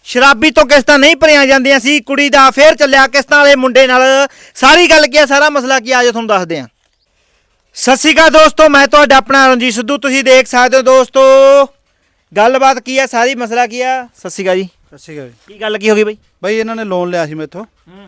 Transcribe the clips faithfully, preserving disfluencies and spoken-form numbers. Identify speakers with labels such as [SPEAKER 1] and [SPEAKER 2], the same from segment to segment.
[SPEAKER 1] ਸ਼ਰਾਬੀ ਤੋਂ ਕਿਸ਼ਤਾਂ ਨਹੀਂ ਭਰੀਆਂ ਜਾਂਦੀਆਂ ਸੀ। ਕੁੜੀ ਦਾ ਫੇਰ ਚੱਲਿਆ ਕਿਸ਼ਤਾਂ ਵਾਲੇ ਮੁੰਡੇ ਨਾਲ। ਸਾਰੀ ਗੱਲ ਕੀ ਆ, ਸਾਰਾ ਮਸਲਾ ਕੀ ਆ, ਆਜੋ ਤੁਹਾਨੂੰ ਦੱਸਦੇ ਹਾਂ। ਸਤਿ ਸ਼੍ਰੀ ਅਕਾਲ ਦੋਸਤੋ, ਮੈਂ ਤੁਹਾਡਾ ਆਪਣਾ ਰਣਜੀਤ ਸਿੱਧੂ। ਤੁਸੀਂ ਦੇਖ ਸਕਦੇ ਹੋ ਦੋਸਤੋ ਗੱਲਬਾਤ ਕੀ ਆ, ਸਾਰੀ ਮਸਲਾ ਕੀ ਆ। ਸਤਿ ਸ਼੍ਰੀ ਅਕਾਲ ਜੀ।
[SPEAKER 2] ਸਤਿ ਸ਼੍ਰੀ ਅਕਾਲ ਜੀ।
[SPEAKER 1] ਕੀ ਗੱਲ ਕੀ ਹੋ ਗਈ ਬਾਈ?
[SPEAKER 2] ਬਾਈ ਇਹਨਾਂ ਨੇ ਲੋਨ ਲਿਆ ਸੀ ਮੈਥੋਂ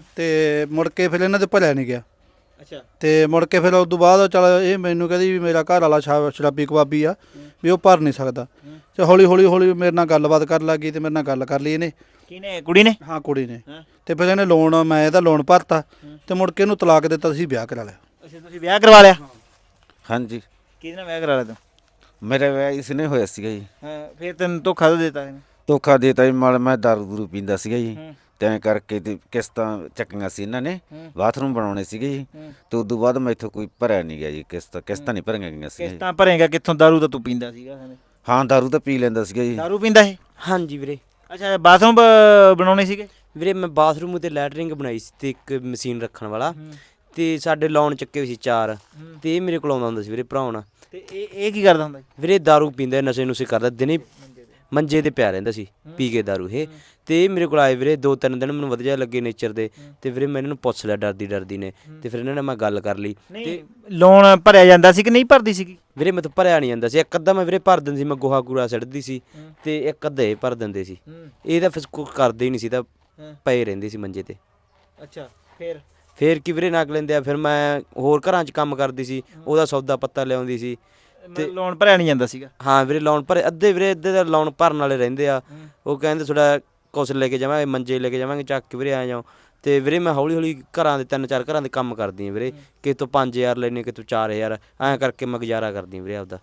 [SPEAKER 2] ਤੇ ਮੁੜ ਕੇ ਫਿਰ ਇਹਨਾਂ ਦੇ ਭਰਿਆ ਨਹੀਂ ਗਿਆ।
[SPEAKER 1] ਅੱਛਾ।
[SPEAKER 2] ਤੇ ਮੁੜ ਕੇ ਫਿਰ ਉਸ ਤੋਂ ਬਾਅਦ ਚਲ ਇਹ ਮੈਨੂੰ ਕਹਿੰਦੀ ਵੀ ਮੇਰਾ ਘਰ ਵਾਲਾ ਸ਼ਾ- ਸ਼ਰਾਬੀ ਕਬਾਬੀ ਆ, ਵੀ ਉਹ ਭਰ ਨਹੀਂ ਸਕਦਾ। ਤੇ ਹੌਲੀ ਹੌਲੀ ਹੌਲੀ ਮੇਰੇ ਨਾਲ ਗੱਲਬਾਤ ਕਰਨ ਲੱਗ ਗਈ ਤੇ ਮੇਰੇ ਨਾਲ ਗੱਲ ਕਰ ਲਈ ਇਹਨੇ।
[SPEAKER 1] ਕਿਹਨੇ? ਕੁੜੀ ਨੇ?
[SPEAKER 2] ਹਾਂ ਕੁੜੀ ਨੇ। ਤੇ ਫਿਰ ਇਹਨੇ ਲੋਨ, ਮੈਂ ਇਹਦਾ ਲੋਨ ਭਰਤਾ ਤੇ ਮੁੜ ਕੇ ਇਹਨੂੰ ਤਲਾਕ ਦਿੱਤਾ, ਅਸੀਂ ਵਿਆਹ ਕਰਾ ਲਿਆ।
[SPEAKER 1] ਅੱਛਾ, ਤੁਸੀਂ ਵਿਆਹ ਕਰਵਾ ਲਿਆ?
[SPEAKER 3] ਹਾਂਜੀ।
[SPEAKER 1] ਕਿਹਦੇ ਨਾਲ ਵਿਆਹ ਕਰਾ ਲਿਆ ਤੂੰ?
[SPEAKER 3] ਮੇਰਾ ਵਿਆਹ ਇਸ ਨੇ ਹੋਇਆ ਸੀਗਾ ਜੀ।
[SPEAKER 1] ਹਾਂ, ਫਿਰ ਤੈਨੂੰ ਧੋਖਾ ਦੇ ਦਿੱਤਾ ਇਹਨੇ?
[SPEAKER 3] ਧੋਖਾ ਦੇਤਾ ਜੀ, ਮਾਲ ਮੈਂ ਦਾਰੂ ਦੂਰੂ ਪੀਂਦਾ ਸੀਗਾ ਜੀ, ਤੇ ਐਂ ਕਰਕੇ ਤੇ ਕਿਸ਼ਤਾਂ ਚੱਕੀਆਂ ਸੀ ਇਹਨਾਂ ਨੇ, ਬਾਥਰੂਮ ਬਣਾਉਣੇ ਸੀਗੇ ਜੀ। ਤੇ ਉਦੋਂ ਬਾਅਦ ਮੈਥੋਂ ਕੋਈ ਭਰਿਆ ਨਹੀਂ ਗਿਆ ਜੀ ਕਿਸ਼ਤ, ਕਿਸ਼ਤਾਂ ਨਹੀਂ ਭਰੀਆਂ ਗਈਆਂ ਸੀ।
[SPEAKER 1] ਕਿਸ਼ਤਾਂ ਭਰੇਗਾ ਕਿੱਥੋਂ? ਦਾਰੂ ਤਾਂ ਤੂੰ ਪੀਂਦਾ ਸੀਗਾ।
[SPEAKER 3] ਹਾਂ ਦਾਰੂ ਤਾਂ ਪੀ ਲੈਂਦਾ ਸੀਗਾ ਜੀ।
[SPEAKER 1] ਦਾਰੂ ਪੀਂਦਾ ਇਹ?
[SPEAKER 4] ਹਾਂਜੀ ਵੀਰੇ।
[SPEAKER 1] ਅੱਛਾ, ਬਾਥਰੂਮ ਬਣਾਉਣੇ ਸੀਗੇ?
[SPEAKER 4] ਵੀਰੇ ਮੈਂ ਬਾਥਰੂਮ ਉਤੇ ਲੈਟਰਿੰਗ ਬਣਾਈ ਸੀ ਤੇ ਇੱਕ ਮਸ਼ੀਨ ਰੱਖਣ ਵਾਲਾ, ਤੇ ਸਾਡੇ ਲੋਨ ਚੱਕੇ ਹੋਏ ਸੀ ਚਾਰ, ਤੇ ਇਹ ਮੇਰੇ ਕੋਲ ਆਉਂਦਾ ਹੁੰਦਾ ਸੀ ਵੀਰੇ ਭਰਾਉਣ।
[SPEAKER 1] ਤੇ ਇਹ ਇਹ ਕੀ ਕਰਦਾ ਹੁੰਦਾ?
[SPEAKER 4] ਵੀਰੇ ਦਾਰੂ ਪੀਂਦਾ, ਨਸ਼ੇ ਨੁਸ਼ੇ ਕਰਦਾ, ਦਿਨੇ ਮੰਜੇ ਤੇ ਪਿਆ ਰਹਿੰਦਾ ਸੀ ਪੀ ਕੇ ਦਾਰੂ ਇਹ। ਤੇ ਇਹ ਮੇਰੇ ਕੋਲ ਆਏ ਵੀਰੇ, ਦੋ ਤਿੰਨ ਦਿਨ ਮੈਨੂੰ ਵਧੀਆ ਲੱਗੇ ਨੇਚਰ ਦੇ, ਤੇ ਵੀਰੇ ਮੈਂ ਇਹਨਾਂ ਨੂੰ ਪੁੱਛ ਲਿਆ ਡਰਦੀ ਡਰਦੀ ਨੇ, ਤੇ ਫਿਰ ਇਹਨਾਂ ਨਾਲ ਮੈਂ ਗੱਲ ਕਰ ਲਈ। ਤੇ
[SPEAKER 1] ਲੋਨ ਭਰਿਆ ਜਾਂਦਾ ਸੀ ਕਿ ਨਹੀਂ ਭਰਦੀ ਸੀਗੀ?
[SPEAKER 4] ਵੀਰੇ ਮੈਂ ਤਾਂ ਭਰਿਆ ਨਹੀਂ ਜਾਂਦਾ ਸੀ। ਇੱਕ ਅੱਧਾ ਮੈਂ ਵੀਰੇ ਭਰ ਦਿੰਦੀ ਸੀ, ਮੈਂ ਗੋਹਾ ਕੂੜਾ ਸਿੱਟਦੀ ਸੀ, ਤੇ ਇੱਕ ਅੱਧਾ ਇਹ ਭਰ ਦਿੰਦੇ ਸੀ। ਇਹ ਤਾਂ ਫਿਰ ਕੁਛ ਕਰਦੇ ਹੀ ਨਹੀਂ ਸੀ, ਤਾਂ ਪਏ ਰਹਿੰਦੇ ਸੀ ਮੰਜੇ ਤੇ।
[SPEAKER 1] ਅੱਛਾ, ਫਿਰ
[SPEAKER 4] ਫੇਰ ਕੀ ਵੀਰੇ ਨੱਕ ਲੈਂਦੇ ਆ। ਫਿਰ ਮੈਂ ਹੋਰ ਘਰਾਂ 'ਚ ਕੰਮ ਕਰਦੀ ਸੀ, ਉਹਦਾ ਸੌਦਾ ਪੱਤਾ ਲਿਆਉਂਦੀ ਸੀ।
[SPEAKER 1] ਤੇ ਲੋਨ ਭਰਿਆ ਨਹੀਂ ਜਾਂਦਾ ਸੀਗਾ?
[SPEAKER 4] ਹਾਂ ਵੀਰੇ ਲੋਨ ਭਰੇ, ਅੱਧੇ ਵੀਰੇ ਅੱਧੇ ਦਾ ਲੋਨ ਭਰਨ ਵਾਲੇ ਰਹਿੰਦੇ ਆ। ਉਹ ਕਹਿੰਦੇ ਥੋੜਾ ਕੁਛ ਲੈ ਕੇ ਜਾਵਾਂਗੇ, ਮੰਜੇ ਲੈ ਕੇ ਜਾਵਾਂਗੇ ਚੱਕ ਕੇ ਵੀਰੇ ਆ ਜਾਓ। ਤੇ ਵੀਰੇ ਮੈਂ ਹੌਲੀ ਹੌਲੀ ਘਰਾਂ ਦੇ ਤਿੰਨ ਚਾਰ ਘਰਾਂ ਦੇ ਕੰਮ ਕਰਦੀ ਹਾਂ ਵੀਰੇ, ਕਿਸੇ ਤੋਂ ਪੰਜ ਹਜ਼ਾਰ ਲੈਨੇ, ਕਿਸੇ ਤੋਂ ਚਾਰ ਹਜ਼ਾਰ, ਐਂ ਕਰਕੇ ਮੈਂ ਗੁਜ਼ਾਰਾ ਕਰਦੀ ਵੀਰੇ ਆਪਦਾ।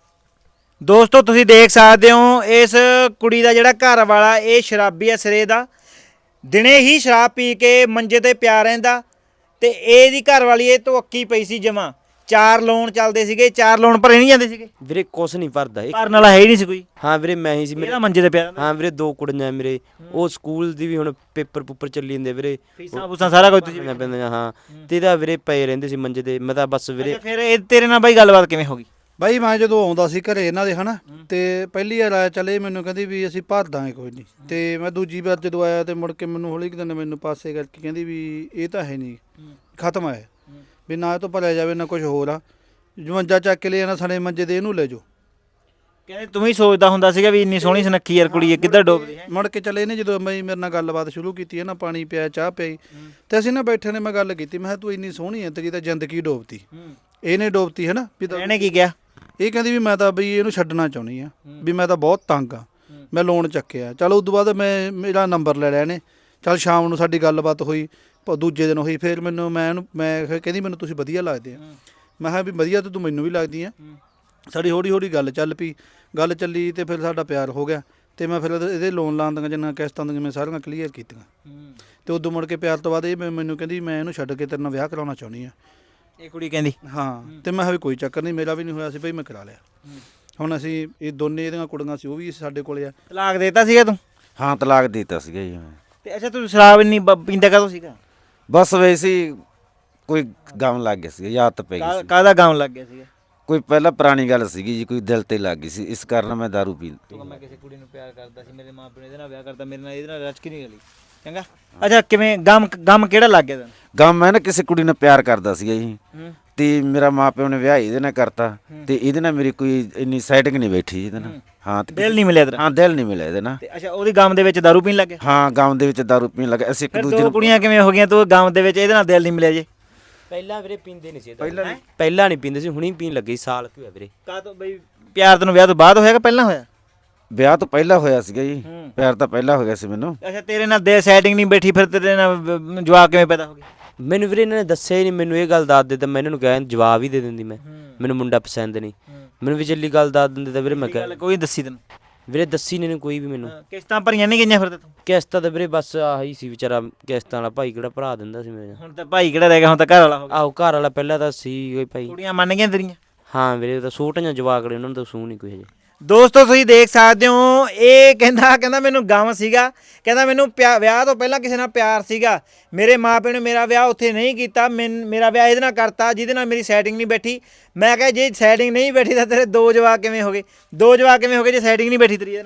[SPEAKER 1] ਦੋਸਤੋ ਤੁਸੀਂ ਦੇਖ ਸਕਦੇ ਹੋ ਇਸ ਕੁੜੀ ਦਾ ਜਿਹੜਾ ਘਰ ਵਾਲਾ ਇਹ ਸ਼ਰਾਬੀ ਆ ਸਿਰੇ ਦਾ। ਦਿਨੇ ਹੀ ਸ਼ਰਾਬ ਪੀ ਕੇ ਮੰਜੇ ਤੇ ਪਿਆ ਰਹਿੰਦਾ, ਤੇ ਇਹਦੀ ਘਰ ਵਾਲੀ ਇਹ ਤੋਂ ਅੱਕੀ ਪਈ ਸੀ ਜਮਾਂ। ਚਾਰ ਲੋਨ ਚੱਲਦੇ ਸੀਗੇ, ਚਾਰ ਲੋਨ ਭਰੇ ਨਹੀਂ ਜਾਂਦੇ ਸੀਗੇ।
[SPEAKER 4] ਵੀਰੇ ਕੁਛ ਨਹੀਂ ਭਰਦਾ ਇਹ।
[SPEAKER 1] ਭਰਨ ਵਾਲਾ ਹੈ ਹੀ ਨਹੀਂ ਸੀ ਕੋਈ?
[SPEAKER 4] ਹਾਂ ਵੀਰੇ ਮੈਂ ਹੀ ਸੀ।
[SPEAKER 1] ਮੇਰਾ ਮੰਜੇ ਤੇ ਪਿਆ।
[SPEAKER 4] ਹਾਂ ਵੀਰੇ ਦੋ ਕੁੜੀਆਂ ਮੇਰੇ, ਉਹ ਸਕੂਲ ਦੀ ਵੀ ਹੁਣ ਪੇਪਰ ਪੂਪਰ ਚੱਲੀ ਜਾਂਦੇ ਵੀਰੇ,
[SPEAKER 1] ਫੀਸਾਂ ਫੂਸਾਂ ਸਾਰਾ ਕੁਝ ਤੁਸੀਂ
[SPEAKER 4] ਪੈਂਦੀਆਂ। ਹਾਂ ਤੇ ਇਹਦਾ ਵੀਰੇ ਪਏ ਰਹਿੰਦੇ ਸੀ ਮੰਜੇ ਤੇ। ਮੈਂ ਤਾਂ ਬਸ ਵੀਰੇ।
[SPEAKER 1] ਫਿਰ ਇਹ ਤੇਰੇ ਨਾਲ ਬਾਈ ਗੱਲਬਾਤ ਕਿਵੇਂ ਹੋ ਗਈ?
[SPEAKER 2] ਬਾਈ ਮੈਂ ਜਦੋਂ ਆਉਂਦਾ ਸੀ ਘਰੇ ਇਹਨਾਂ ਦੇ ਹਨਾ, ਤੇ ਪਹਿਲੀ ਵਾਰ ਆਇਆ ਚੱਲੇ ਮੈਨੂੰ ਕਹਿੰਦੀ ਵੀ ਅਸੀਂ ਭਰ ਦਾਂਗੇ ਕੋਈ ਨਹੀਂ। ਤੇ ਮੈਂ ਦੂਜੀ ਵਾਰ ਜਦੋਂ ਆਇਆ ਤੇ ਮੁੜ ਕੇ ਮੈਨੂੰ ਹੌਲੀ ਕੁ ਦਿਨ ਮੈਨੂੰ ਪਾਸੇ ਕਰਕੇ ਕਹਿੰਦੀ ਵੀ ਇਹ ਤਾਂ ਹੈ ਨਹੀਂ, ਖਤਮ ਹੈ, ਵੀ ਨਾ ਇਹ ਤੋਂ ਭਰਿਆ ਜਾਵੇ ਨਾ ਕੁਝ ਹੋਰ ਆ। ਮੰਜਾ ਚੱਕ ਕੇ ਲੈ ਜਾਣਾ ਸਾਡੇ ਮੰਜੇ ਤੇ, ਇਹਨੂੰ ਲੈ ਜਾਓ।
[SPEAKER 1] ਕਹਿੰਦੇ ਤੂੰ ਵੀ ਸੋਚਦਾ ਹੁੰਦਾ ਸੀਗਾ ਵੀ ਇੰਨੀ ਸੋਹਣੀ ਸੁਨੱਖੀ ਯਾਰ ਕੁੜੀ ਕਿੱਧਰ ਡੋਬਦੀ ਹੈ?
[SPEAKER 2] ਮੁੜ ਕੇ ਚੱਲੇ ਇਹਨੇ ਜਦੋਂ ਮੈਂ ਮੇਰੇ ਨਾਲ ਗੱਲਬਾਤ ਸ਼ੁਰੂ ਕੀਤੀ ਹੈ ਨਾ, ਪਾਣੀ ਪਿਆ, ਚਾਹ ਪਿਆਈ, ਤੇ ਅਸੀਂ ਨਾ ਬੈਠੇ ਨੇ, ਮੈਂ ਗੱਲ ਕੀਤੀ, ਮੈਂ ਕਿਹਾ ਤੂੰ ਇੰਨੀ ਸੋਹਣੀ ਹੈ, ਤੇਰੀ ਤਾਂ ਜ਼ਿੰਦਗੀ ਡੋਬਤੀ। ਇਹਨੇ ਡੋਬਤੀ ਹੈ ਨਾ। ਵੀ
[SPEAKER 1] ਇਹਨੇ ਕੀ ਕਿਹਾ?
[SPEAKER 2] ਇਹ ਕਹਿੰਦੀ ਵੀ ਮੈਂ ਤਾਂ ਬਈ ਇਹਨੂੰ ਛੱਡਣਾ ਚਾਹੁੰਦੀ ਆ, ਵੀ ਮੈਂ ਤਾਂ ਬਹੁਤ ਤੰਗ ਆ, ਮੈਂ ਲੋਨ ਚੱਕਿਆ। ਚਲੋ ਉਦੋਂ ਬਾਅਦ ਮੈਂ ਮੇਰਾ ਨੰਬਰ ਲੈ ਲਿਆ ਇਹਨੇ। ਚੱਲ ਸ਼ਾਮ ਨੂੰ ਸਾਡੀ ਗੱਲਬਾਤ ਹੋਈ, ਦੂਜੇ ਦਿਨ ਹੋਈ। ਫਿਰ ਮੈਨੂੰ ਮੈਂ ਇਹਨੂੰ ਮੈਂ ਕਹਿੰਦੀ ਮੈਨੂੰ ਤੁਸੀਂ ਵਧੀਆ ਲੱਗਦੇ ਆ। ਮੈਂ ਕਿਹਾ ਵੀ ਵਧੀਆ ਤਾਂ ਤੂੰ ਮੈਨੂੰ ਵੀ ਲੱਗਦੀ ਆ। ਸਾਡੀ ਹੌਲੀ ਹੌਲੀ ਗੱਲ ਚੱਲ ਪਈ, ਗੱਲ ਚੱਲੀ ਤੇ ਫਿਰ ਸਾਡਾ ਪਿਆਰ ਹੋ ਗਿਆ। ਤੇ ਮੈਂ ਫਿਰ ਇਹਦੇ ਲੋਨ ਲਾਉਣ ਦੀਆਂ ਜਿੰਨਾ ਕਿਸ਼ਤਾਂ ਦੀਆਂ ਮੈਂ ਸਾਰੀਆਂ ਕਲੀਅਰ ਕੀਤੀਆਂ। ਤੇ ਉਦੋਂ ਮੁੜ ਕੇ ਪਿਆਰ ਤੋਂ ਬਾਅਦ ਇਹ ਮੈਨੂੰ ਕਹਿੰਦੀ ਮੈਂ ਇਹਨੂੰ ਛੱਡ ਕੇ ਤੇਰੇ ਨਾਲ ਵਿਆਹ ਕਰਾਉਣਾ ਚਾਹੁੰਦੀ ਆ।
[SPEAKER 1] ਇਹ ਕੁੜੀ ਕਹਿੰਦੀ?
[SPEAKER 2] ਹਾਂ। ਤੇ ਮੈਂ ਕਿਹਾ ਵੀ ਕੋਈ ਚੱਕਰ ਨਹੀਂ, ਮੇਰਾ ਵੀ ਨਹੀਂ ਹੋਇਆ ਸੀ ਬਈ, ਮੈਂ ਕਰਾ ਲਿਆ। ਹੁਣ ਅਸੀਂ ਇਹ ਦੋਨੇ ਇਹਦੀਆਂ ਕੁੜੀਆਂ ਸੀ, ਉਹ ਵੀ ਸਾਡੇ ਕੋਲੇ ਆ।
[SPEAKER 1] ਤਲਾਕ ਦੇਤਾ ਸੀਗਾ ਤੂੰ?
[SPEAKER 3] ਹਾਂ ਤਲਾਕ ਦੇਤਾ ਸੀਗਾ ਜੀ ਮੈਂ।
[SPEAKER 1] ਤੇ ਅੱਛਾ, ਤੂੰ ਸ਼ਰਾਬ ਇੰਨੀ ਪੀਂਦਾ ਕਦੋਂ ਸੀਗਾ?
[SPEAKER 3] ਬਸ ਵੈਸੇ ਹੀ ਕੋਈ ਗਮ ਲੱਗ ਗਿਆ ਸੀ, ਯਾਦ ਪੈ ਗਈ ਸੀ।
[SPEAKER 1] ਕਾਹਦਾ ਗਮ ਲੱਗ ਗਿਆ ਸੀਗਾ?
[SPEAKER 3] ਕੋਈ ਪਹਿਲਾਂ ਪੁਰਾਣੀ ਗੱਲ ਸੀਗੀ ਜੀ, ਕੋਈ ਦਿਲ ਤੇ ਲੱਗ ਗਈ ਸੀ, ਇਸ ਕਾਰਨ ਮੈਂ ਦਾਰੂ ਪੀ ਲਈ।
[SPEAKER 1] ਮੈਂ ਕਿਸੇ ਕੁੜੀ ਨੂੰ ਪਿਆਰ ਕਰਦਾ ਸੀ, ਮੇਰੇ ਮਾਂ ਪਿਓ ਨੇ ਇਹਦੇ ਨਾਲ ਵਿਆਹ ਕਰਤਾ, ਮੇਰੇ ਨਾਲ ਇਹਦੇ ਨਾਲ ਰਚ ਕੇ ਨਹੀਂ ਗਲੀ। ਚੰਗਾ। ਅੱਛਾ, ਕਿਵੇਂ ਗਮ ਗਮ ਕਿਹੜਾ ਲੱਗ ਗਿਆ ਤੈਨੂੰ?
[SPEAKER 3] ਗਮ ਮੈਂ ਨਾ ਕਿਸੇ ਕੁੜੀ ਨਾਲ ਪਿਆਰ ਕਰਦਾ ਸੀਗਾ ਜੀ, ਤੇ ਮੇਰਾ ਮਾਂ ਪਿਓ ਨੇ ਵਿਆਹ ਇਹਦੇ ਨਾਲ ਕਰਤਾ, ਤੇ ਇਹਦੇ ਨਾਲ ਮੇਰੀ ਕੋਈ ਇੰਨੀ ਸੈਟਿੰਗ ਨਹੀਂ ਬੈਠੀ ਇਹਦੇ ਨਾਲ। ਹਾਂ ਤੇ
[SPEAKER 1] ਦਿਲ ਨਹੀਂ ਮਿਲਿਆ ਤੇਰਾ?
[SPEAKER 3] ਹਾਂ ਦਿਲ ਨਹੀਂ ਮਿਲਿਆ ਇਹਦੇ ਨਾਲ।
[SPEAKER 1] ਤੇ ਅੱਛਾ, ਉਹਦੀ ਗਮ ਦੇ ਵਿੱਚ ਦਾਰੂ ਪੀਣ ਲੱਗ ਗਿਆ?
[SPEAKER 3] ਹਾਂ ਗਮ ਦੇ ਵਿੱਚ ਦਾਰੂ ਪੀਣ ਲੱਗਾ। ਅਸੀਂ ਇੱਕ ਦੂਜੇ
[SPEAKER 1] ਦੋ
[SPEAKER 3] ਨੂੰ
[SPEAKER 1] ਕੁੜੀਆਂ ਕਿਵੇਂ ਹੋ ਗਈਆਂ? ਤੂੰ ਗਮ ਦੇ ਵਿੱਚ ਇਹਦੇ ਨਾਲ ਦਿਲ ਨਹੀਂ ਮਿਲਿਆ ਜੇ?
[SPEAKER 4] ਪਹਿਲਾਂ ਵੀਰੇ ਪੀਂਦੇ ਨਹੀਂ ਸੀ, ਪਹਿਲਾਂ ਪਹਿਲਾਂ ਨਹੀਂ ਪੀਂਦੇ ਸੀ, ਹੁਣੀ ਪੀਣ ਲੱਗੇ ਸਾਲ ਕੀ ਹੋਇਆ ਵੀਰੇ।
[SPEAKER 1] ਕਾਹਤੋਂ ਬਈ? ਪਿਆਰ ਤੈਨੂੰ ਵਿਆਹ ਤੋਂ ਬਾਅਦ ਹੋਇਆ ਕਿ ਪਹਿਲਾਂ ਹੋਇਆ?
[SPEAKER 3] ਵਿਆਹ ਤੋਂ ਪਹਿਲਾਂ ਹੋਇਆ ਸੀਗਾ ਜੀ, ਪਿਆਰ ਤਾਂ ਪਹਿਲਾਂ ਹੋ ਗਿਆ ਸੀ ਮੈਨੂੰ।
[SPEAKER 1] ਅੱਛਾ, ਤੇਰੇ ਨਾਲ ਦੇ ਸੈਟਿੰਗ ਨਹੀਂ ਬੈਠੀ, ਫਿਰ ਤੇਰੇ ਨਾਲ ਜਵਾਬ ਕਿਵੇਂ ਪੈਦਾ ਹੋ ਗਿਆ?
[SPEAKER 4] ਮੈਨੂੰ ਵੀਰੇ ਇਹਨਾਂ ਨੇ ਦੱਸਿਆ ਹੀ ਨਹੀਂ, ਮੈਨੂੰ ਇਹ ਗੱਲ ਦੱਸ ਦੇ ਤਾਂ ਮੈਂ ਇਹਨਾਂ ਨੂੰ ਕਿਹਾ ਜਵਾਬ ਹੀ ਦੇ ਦਿੰਦੀ। ਮੈਂ ਮੈਨੂੰ ਮੁੰਡਾ ਪਸੰਦ ਨਹੀਂ, ਮੈਨੂੰ ਵੀ ਚੱਲੀ ਗੱਲ ਦੱਸ ਦਿੰਦੇ ਤਾਂ ਵੀਰੇ ਮੈਂ ਕਿਹਾ।
[SPEAKER 1] ਕੋਈ ਦੱਸੀ ਤੈਨੂੰ?
[SPEAKER 4] ਵੀਰੇ ਦੱਸੀ ਨਹੀਂ ਕੋਈ ਵੀ ਮੈਨੂੰ।
[SPEAKER 1] ਕਿਸ਼ਤਾਂ ਭਰੀਆਂ ਨਹੀਂ ਗਈਆਂ ਫਿਰ ਤੂੰ?
[SPEAKER 4] ਕਿਸ਼ਤਾਂ ਤਾਂ ਵੀਰੇ ਬਸ ਆਹੀ ਸੀ ਵਿਚਾਰਾ, ਕਿਸ਼ਤਾਂ ਵਾਲਾ ਭਾਈ ਕਿਹੜਾ ਭਰਾ ਦਿੰਦਾ ਸੀ ਮੇਰੇ।
[SPEAKER 1] ਹੁਣ ਤਾਂ ਭਾਈ ਕਿਹੜਾ ਰਹਿ ਗਿਆ, ਹੁਣ ਤਾਂ ਘਰ ਵਾਲਾ ਹੋ ਗਿਆ।
[SPEAKER 4] ਆਹੋ ਘਰ ਵਾਲਾ ਪਹਿਲਾਂ ਤਾਂ ਸੀ ਕੋਈ ਭਾਈ।
[SPEAKER 1] ਕੁੜੀਆਂ ਮੰਨ ਗਈਆਂ ਤੇਰੀਆਂ?
[SPEAKER 4] ਹਾਂ ਵੀਰੇ, ਤਾਂ ਛੋਟੀਆਂ ਜਵਾਕੜੇ, ਉਹਨਾਂ ਨੂੰ ਤਾਂ ਸੂਹ ਨਹੀਂ ਕੋਈ ਹਜੇ।
[SPEAKER 1] ਦੋਸਤੋ ਤੁਸੀਂ ਦੇਖ ਸਕਦੇ ਹੋ, ਇਹ ਕਹਿੰਦਾ ਕਹਿੰਦਾ ਮੈਨੂੰ ਗਮ ਸੀਗਾ, ਕਹਿੰਦਾ ਮੈਨੂੰ ਪਿਆ ਵਿਆਹ ਤੋਂ ਪਹਿਲਾਂ ਕਿਸੇ ਨਾਲ ਪਿਆਰ ਸੀਗਾ, ਮੇਰੇ ਮਾਂ ਪਿਓ ਨੇ ਮੇਰਾ ਵਿਆਹ ਉੱਥੇ ਨਹੀਂ ਕੀਤਾ, ਮੈਨ ਮੇਰਾ ਵਿਆਹ ਇਹਦੇ ਨਾਲ ਕਰਤਾ ਜਿਹਦੇ ਨਾਲ ਮੇਰੀ ਸੈਟਿੰਗ ਨਹੀਂ ਬੈਠੀ। ਮੈਂ ਕਿਹਾ ਜੇ ਸੈਟਿੰਗ ਨਹੀਂ ਬੈਠੀ ਤਾਂ ਤੇਰੇ ਦੋ ਜਵਾਕ ਕਿਵੇਂ ਹੋ ਗਏ? ਦੋ ਜਵਾਕ ਕਿਵੇਂ ਹੋ ਗਏ ਜੇ ਸੈਟਿੰਗ ਨਹੀਂ ਬੈਠੀ ਤੇਰੀ ਇਹਦੇ ਨਾਲ?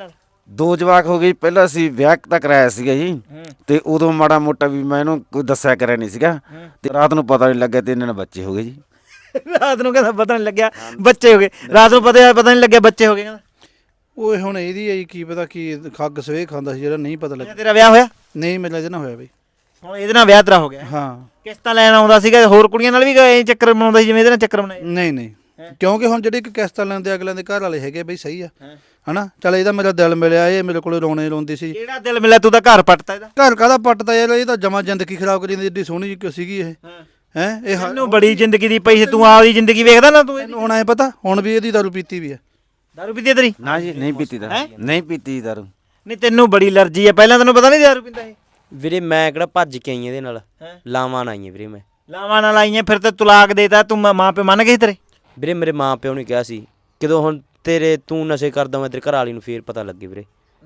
[SPEAKER 3] ਦੋ ਜਵਾਕ ਹੋ ਗਏ, ਪਹਿਲਾਂ ਅਸੀਂ ਵਿਆਹ ਤਾਂ ਕਰਾਇਆ ਸੀਗਾ ਜੀ, ਤੇ ਉਦੋਂ ਮਾੜਾ ਮੋਟਾ ਵੀ ਮੈਂ ਇਹਨੂੰ ਕੋਈ ਦੱਸਿਆ ਕਰਿਆ ਨਹੀਂ ਸੀਗਾ, ਤੇ ਰਾਤ ਨੂੰ ਪਤਾ ਨਹੀਂ ਲੱਗਿਆ ਤੇ ਇਹਨਾਂ ਨਾਲ ਬੱਚੇ ਹੋ ਗਏ ਜੀ।
[SPEAKER 1] ਰਾਤ ਨੂੰ ਕਹਿੰਦਾ ਪਤਾ ਨਹੀਂ ਲੱਗਿਆ ਬੱਚੇ ਹੋ ਗਏ, ਰਾਤ ਨੂੰ ਪਤਾ ਪਤਾ ਨਹੀਂ ਲੱਗਿਆ ਬੱਚੇ ਹੋ ਗਏ ਕਹਿੰਦਾ।
[SPEAKER 2] ਓਏ ਹੁਣ ਇਹਦੀ ਆਈ ਕੀ ਪਤਾ ਕੀ ਖੱਗ ਸਵੇ ਖਾਂਦਾ ਸੀ ਜਿਹੜਾ ਨਹੀਂ ਪਤਾ ਲੱਗਿਆ।
[SPEAKER 1] ਤੇਰਾ ਵਿਆਹ ਹੋਇਆ?
[SPEAKER 2] ਨਹੀਂ ਮੇਰਾ ਇਹਦੇ ਨਾਲ ਹੋਇਆ ਬਈ।
[SPEAKER 1] ਹੁਣ ਇਹਦੇ ਨਾਲ ਵਿਆਹ ਤੇਰਾ ਹੋ ਗਿਆ?
[SPEAKER 2] ਹਾਂ।
[SPEAKER 1] ਕਿਸ਼ਤਾਂ ਲੈਣ ਆਉਂਦਾ ਸੀਗਾ, ਹੋਰ ਕੁੜੀਆਂ ਨਾਲ ਵੀ ਇਹ ਚੱਕਰ ਬਣਾਉਂਦਾ ਸੀ ਜਿਵੇਂ ਇਹਦੇ ਨਾਲ ਚੱਕਰ ਬਣਾਏ?
[SPEAKER 2] ਨਹੀਂ ਨਹੀਂ, ਕਿਉਂਕਿ ਹੁਣ ਜਿਹੜੇ ਇੱਕ ਕਿਸ਼ਤਾਂ ਲੈਂਦੇ ਅਗਲਿਆਂ ਦੇ ਘਰ ਵਾਲੇ ਹੈਗੇ ਬਈ ਸਹੀ ਆ ਹਨਾ। ਚੱਲ ਇਹਦਾ ਮੇਰਾ ਦਿਲ ਮਿਲਿਆ, ਇਹ ਮੇਰੇ ਕੋਲੇ ਰੋਣੇ ਰੋਂਦੀ ਸੀ।
[SPEAKER 1] ਕਿਹੜਾ ਦਿਲ ਮਿਲਿਆ? ਤੂੰ ਤਾਂ ਘਰ ਪੱਟਤਾ ਇਹਦਾ।
[SPEAKER 2] ਘਰ ਕਾਹਦਾ ਪੱਟਦਾ ਯਾਰ, ਇਹ ਤਾਂ ਜਮਾ ਜ਼ਿੰਦਗੀ ਖਰਾਬ ਕਰੀ ਜਾਂਦੀ, ਏਡੀ ਸੋਹਣੀ ਜਿਹੀ ਸੀਗੀ ਇਹ ਹੈ। ਇਹ ਹ-
[SPEAKER 1] ਇਹਨੂੰ ਬੜੀ ਜ਼ਿੰਦਗੀ ਦੀ ਪਈ ਸੀ, ਤੂੰ ਆਪਦੀ ਜ਼ਿੰਦਗੀ ਵੇਖਦਾ ਨਾ ਤੂੰ?
[SPEAKER 2] ਇਹਨੂੰ ਹੁਣ ਐ ਪਤਾ ਹੁਣ ਵੀ ਇਹਦੀ ਦਾਰੂ ਪੀਤੀ ਵੀ ਹੈ।
[SPEAKER 1] ਦਾਰੂ ਪੀਤੀ ਤੇਰੀ?
[SPEAKER 3] ਨਾ ਜੀ ਨਹੀਂ ਪੀਤੀ ਦਾਰੂ, ਨਹੀਂ ਪੀਤੀ ਦਾਰੂ।
[SPEAKER 1] ਨਹੀਂ ਤੈਨੂੰ ਬੜੀ ਅਲਰਜੀ ਆ, ਪਹਿਲਾਂ ਤੈਨੂੰ ਪਤਾ ਨਹੀਂ ਦਾਰੂ ਪੀਂਦਾ ਇਹ?
[SPEAKER 4] ਵੀਰੇ ਮੈਂ ਕਿਹੜਾ ਭੱਜ ਕੇ ਆਈ ਇਹਦੇ ਨਾਲ,
[SPEAKER 1] ਹੈਂ?
[SPEAKER 4] ਲਾਵਾਂ ਨਾਲ ਆਈ ਵੀਰੇ ਮੈਂ।
[SPEAKER 1] ਲਾਵਾਂ ਨਾਲ ਆਈਆਂ ਫਿਰ ਤੇ ਤਲਾਕ ਦੇਤਾ ਤੂੰ, ਮਾਂ- ਮਾਂ ਪਿਓ ਮੰਨ ਗਏ ਸੀ ਤੇਰੇ?
[SPEAKER 4] ਵੀਰੇ ਮੇਰੇ ਮਾਂ ਪਿਓ ਨੇ ਕਿਹਾ ਸੀ ਕਿਦੋਂ ਹੁਣ ਤੇਰੇ ਤੂੰ ਨਸ਼ੇ ਕਰਦਾ ਮੈਂ ਤੇਰੇ ਘਰ ਵਾਲੀ ਨੂੰ ਫੇਰ ਪਤਾ ਲੱਗੇ ਵੀਰੇ,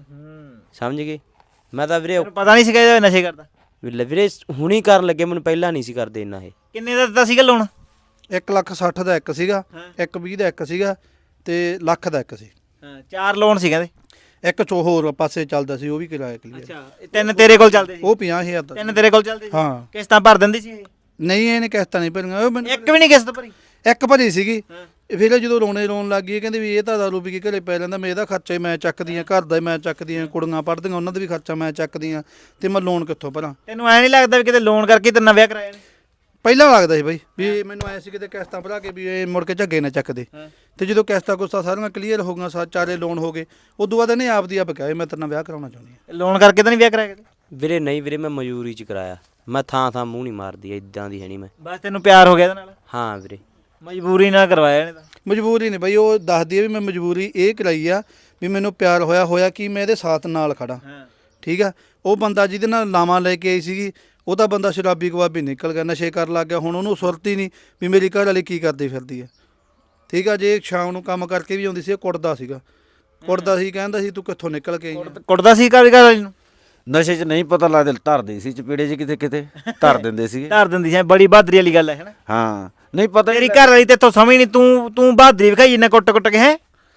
[SPEAKER 4] ਸਮਝ ਗਏ। ਮੈਂ ਤਾਂ ਵੀਰੇ
[SPEAKER 1] ਤੈਨੂੰ ਪਤਾ ਨਹੀਂ ਸੀਗਾ ਇਹ ਨਸ਼ੇ ਕਰਦਾ?
[SPEAKER 4] ਵੀਰੇ ਵੀਰੇ ਹੁਣੀ ਕਰਨ ਲੱਗੇ, ਮੈਨੂੰ ਪਹਿਲਾਂ ਨਹੀਂ ਸੀ ਕਰਦੇ ਇੰਨਾ ਇਹ।
[SPEAKER 1] ਕਿੰਨੇ ਦਾ ਦਿੱਤਾ ਸੀਗਾ ਲੋਨ?
[SPEAKER 2] ਇੱਕ ਲੱਖ ਸੱਠ ਦਾ ਇੱਕ ਸੀਗਾ, ਇੱਕ ਵੀਹ ਦਾ ਇੱਕ ਸੀਗਾ, ਤੇ ਲੱਖ ਦਾ ਇੱਕ ਸੀ।
[SPEAKER 1] ਹਾਂ, ਚਾਰ ਲੋਨ ਸੀ ਕਹਿੰਦੇ।
[SPEAKER 2] ਇੱਕ ਚੋ ਹੋਰ ਪਾਸੇ ਚੱਲਦਾ ਸੀ, ਉਹ ਵੀ ਕਿਰਾਇਆ ਕਲੀਅਰ।
[SPEAKER 1] ਅੱਛਾ, ਇਹ ਤਿੰਨ ਤੇਰੇ ਕੋਲ ਚੱਲਦੇ ਸੀ?
[SPEAKER 2] ਉਹ ਪੰਜਾਹ ਹਜ਼ਾਰ ਦਾ।
[SPEAKER 1] ਤਿੰਨ ਤੇਰੇ ਕੋਲ ਚੱਲਦੇ ਸੀ?
[SPEAKER 2] ਹਾਂ।
[SPEAKER 1] ਕਿਸ਼ਤਾਂ ਭਰ ਦਿੰਦੀ ਸੀ ਇਹ?
[SPEAKER 2] ਨਹੀਂ ਇਹਨੇ ਕਿਸ਼ਤਾਂ ਨਹੀਂ ਭਰੀਆਂ, ਉਹ ਮੈਨੂੰ
[SPEAKER 1] ਇੱਕ ਵੀ ਨਹੀਂ ਕਿਸ਼ਤ ਭਰੀ?
[SPEAKER 2] ਇੱਕ ਭਰੀ ਸੀਗੀ। ਫਿਰ ਜਦੋਂ ਰੋਣੇ ਰੋਣ ਲੱਗ ਗਈ, ਕਹਿੰਦੇ ਵੀ ਇਹ ਤਾਂ ਦਾਰੂ ਪੀ ਕੇ ਘਰੇ ਪੈ ਲੈਂਦਾ, ਮੈਂ ਇਹਦਾ ਖਰਚਾ ਹੀ ਮੈਂ ਚੱਕਦੀ ਹਾਂ, ਘਰ ਦਾ ਹੀ ਮੈਂ ਚੱਕਦੀ ਹਾਂ, ਕੁੜੀਆਂ ਪੜ੍ਹਦੀਆਂ ਉਹਨਾਂ ਦਾ ਵੀ ਖਰਚਾ ਮੈਂ ਚੱਕਦੀ ਹਾਂ, ਤੇ ਮੈਂ ਲੋਨ ਕਿੱਥੋਂ ਭਰਾਂ?
[SPEAKER 1] ਤੈਨੂੰ ਐ ਨਹੀਂ ਲੱਗਦਾ ਵੀ ਕਿਤੇ ਲੋਨ ਕਰਕੇ ਤੇ ਨਵਾਂ ਵਿਆਹ ਕਰਾਇਆ ਨੇ?
[SPEAKER 2] ਪਹਿਲਾਂ ਲੱਗਦਾ ਸੀ ਬਈ ਵੀ ਮੈਨੂੰ ਐ ਸੀ ਕਿਤੇ ਕਿਸ਼ਤਾਂ ਭਰਾ ਕੇ ਵੀ ਇਹ ਮੁੜ ਕੇ ਝੱਗੇ ਨਾ ਚੱਕਦੇ, ਤੇ ਜਦੋਂ ਕਿਸ਼ਤਾਂ ਕੁਸ਼ਤਾਂ ਸਾਰੀਆਂ ਕਲੀਅਰ ਹੋ ਗਈਆਂ, ਸਾ ਚਾਰੇ ਲੋਨ ਹੋ ਗਏ, ਉਦੋਂ ਬਾਅਦ ਇਹਨੇ ਆਪ ਦੀ ਆਪ ਕਿਹਾ ਮੈਂ ਤੇਰੇ ਨਾਲ ਵਿਆਹ ਕਰਾਉਣਾ ਚਾਹੁੰਦੀ ਹਾਂ।
[SPEAKER 1] ਲੋਨ ਕਰਕੇ ਤਾਂ ਨਹੀਂ ਵਿਆਹ ਕਰਾਇਆ ਕਿਤੇ?
[SPEAKER 4] ਵੀਰੇ ਨਹੀਂ ਵੀਰੇ, ਮੈਂ ਮਜ਼ਦੂਰੀ ਚ ਕਰਾਇਆ, ਮੈਂ ਥਾਂ ਥਾਂ ਮੂੰਹ ਨਹੀਂ ਮਾਰਦੀ ਇਦਾਂ ਦੀ ਹੈ ਨਹੀਂ ਮੈਂ।
[SPEAKER 1] ਬਸ ਤੈਨੂੰ ਪਿਆਰ ਹੋ ਗਿਆ ਇਹਦੇ ਨਾਲ?
[SPEAKER 4] ਹਾਂ ਵੀਰੇ
[SPEAKER 1] ਮਜਬੂਰੀ ਨਾਲ ਕਰਵਾਇਆ ਇਹਨੇ ਤਾਂ?
[SPEAKER 2] ਮਜਬੂਰੀ ਨਹੀਂ ਬਈ, ਉਹ ਦੱਸਦੀ ਹੈ ਵੀ ਮੈਂ ਮਜਬੂਰੀ ਇਹ ਕਰਾਈ ਆ ਵੀ ਮੈਨੂੰ ਪਿਆਰ ਹੋਇਆ ਹੋਇਆ ਕਿ ਮੈਂ ਇਹਦੇ ਸਾਥ ਨਾਲ ਖੜਾ। ਠੀਕ ਆ, ਉਹ ਬੰਦਾ ਜਿਹਦੇ ਨਾਲ ਲਾਵਾਂ ਲੈ ਕੇ ਆਈ ਸੀਗੀ, ਉਹ ਤਾਂ ਬੰਦਾ ਸ਼ਰਾਬੀ ਕਬਾਬੀ ਨਿਕਲ ਗਿਆ, ਨਸ਼ੇ ਕਰਨ ਲੱਗ ਗਿਆ। ਹੁਣ ਉਹਨੂੰ ਸੁਰਤ ਹੀ ਨਹੀਂ ਵੀ ਮੇਰੀ ਘਰ ਵਾਲੀ ਕੀ ਕਰਦੀ ਫਿਰਦੀ ਆ। ਠੀਕ ਆ, ਜੇ ਸ਼ਾਮ ਨੂੰ ਕੰਮ ਕਰਕੇ ਵੀ ਆਉਂਦੀ ਸੀ, ਉਹ ਕੁੱਟਦਾ ਸੀਗਾ, ਕੁੱਟਦਾ ਸੀ, ਕਹਿੰਦਾ ਸੀ ਤੂੰ ਕਿੱਥੋਂ ਨਿਕਲ ਕੇ ਆਈ ਆਂ?
[SPEAKER 1] ਕੁੱਟਦਾ ਸੀ ਘਰ ਘਰ ਵਾਲੀ ਨੂੰ?
[SPEAKER 3] ਨਸ਼ੇ 'ਚ ਨਹੀਂ ਪਤਾ ਲੱਗਦਾ, ਧਰਦੇ ਸੀ ਚਪੇੜੇ 'ਚ, ਕਿਤੇ ਕਿਤੇ ਧਰ ਦਿੰਦੇ ਸੀਗੇ।
[SPEAKER 1] ਧਰ ਦਿੰਦੀ ਸੀ? ਬੜੀ ਬਹਾਦਰੀ ਵਾਲੀ ਗੱਲ ਹੈ ਹੈ ਨਾ?
[SPEAKER 3] ਹਾਂ, ਨਹੀਂ ਪਤਾ
[SPEAKER 1] ਤੇਰੀ ਘਰ ਵਾਲੀ ਤੇਥੋਂ ਸਮਝ ਨਹੀਂ, ਤੂੰ ਤੂੰ ਬਹਾਦਰੀ ਵਿਖਾਈ ਇੰਨਾ ਕੁੱਟ ਕੁੱਟ ਕੇ ਹੈ?